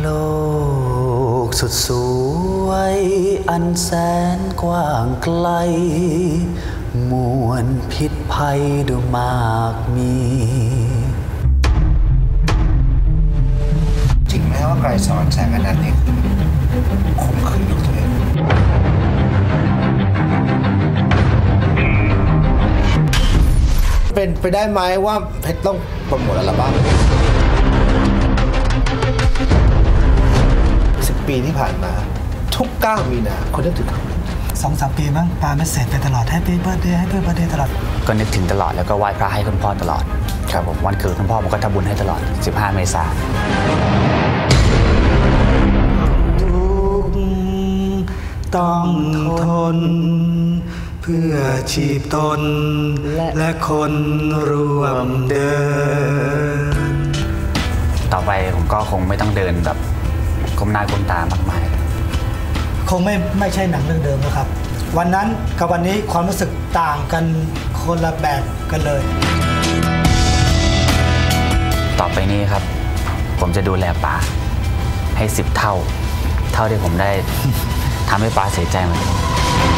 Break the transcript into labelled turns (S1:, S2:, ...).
S1: โลกสุดสวยอันแสนกว้างไกลมวลพิษภัยดูมากมี
S2: จริงไหมว่าไกรสอนแสงอนันต์นี่ข่มขืนลูกตัวเองเป็นไปได้ไหมว่าเพชรต้องโปรโมทอัลบั้ม10 ปีที่ผ่านมาทุก9 มีนาคนนึกถึงเขา
S3: 2-3 ปีมั้งปาไม่เสร็จไปตลอดแฮปปี้เบิร์ธเดย์ให้เพื่อนเบิร์ธเดย์ตลอด
S1: ก็นึกถึงตลอดแล้วก็ไหว้พระให้คุณพ่อตลอดครับผมวันเกิดคุณพ่อผมก็ทำบุญให้ตลอด15 เมษายน
S3: ทุกต้องทนเพื่อชีพตนและคนร่วมเดิน
S1: ต่อไปผมก็คงไม่ต้องเดินแบบก้มหน้าก้มตามากมาย
S3: คงไม่ใช่หนังเรื่องเดิมนะครับวันนั้นกับวันนี้ความรู้สึกต่างกันคนละแบบกันเลย
S1: ต่อไปนี้ครับผมจะดูแลป๋าให้10 เท่าที่ผมได้ทำให้ป๋าเสียใจมา